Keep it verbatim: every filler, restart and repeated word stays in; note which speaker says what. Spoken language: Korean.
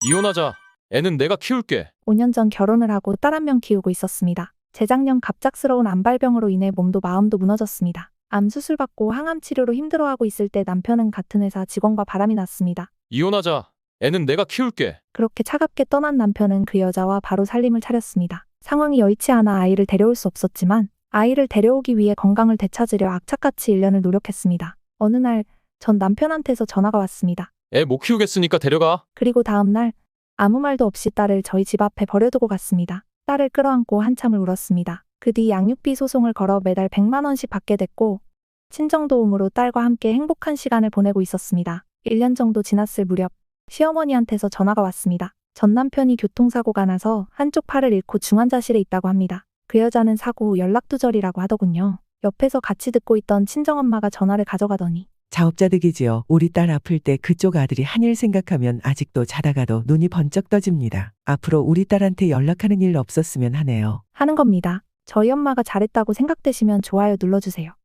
Speaker 1: 이혼하자. 애는 내가 키울게.
Speaker 2: 오 년 전 결혼을 하고 딸 한 명 키우고 있었습니다. 재작년 갑작스러운 암발병으로 인해 몸도 마음도 무너졌습니다. 암 수술 받고 항암 치료로 힘들어하고 있을 때 남편은 같은 회사 직원과 바람이 났습니다.
Speaker 1: 이혼하자. 애는 내가 키울게.
Speaker 2: 그렇게 차갑게 떠난 남편은 그 여자와 바로 살림을 차렸습니다. 상황이 여의치 않아 아이를 데려올 수 없었지만 아이를 데려오기 위해 건강을 되찾으려 악착같이 일 년을 노력했습니다. 어느 날 전 남편한테서 전화가 왔습니다.
Speaker 1: 애 못 키우겠으니까 데려가.
Speaker 2: 그리고 다음 날 아무 말도 없이 딸을 저희 집 앞에 버려두고 갔습니다. 딸을 끌어안고 한참을 울었습니다. 그 뒤 양육비 소송을 걸어 매달 백만 원씩 받게 됐고 친정도움으로 딸과 함께 행복한 시간을 보내고 있었습니다. 일 년 정도 지났을 무렵 시어머니한테서 전화가 왔습니다. 전 남편이 교통사고가 나서 한쪽 팔을 잃고 중환자실에 있다고 합니다. 그 여자는 사고 후 연락두절이라고 하더군요. 옆에서 같이 듣고 있던 친정엄마가 전화를 가져가더니
Speaker 3: 자업자득이지요. 우리 딸 아플 때 그쪽 아들이 한 일 생각하면 아직도 자다가도 눈이 번쩍 떠집니다. 앞으로 우리 딸한테 연락하는 일 없었으면 하네요.
Speaker 2: 하는 겁니다. 저희 엄마가 잘했다고 생각되시면 좋아요 눌러주세요.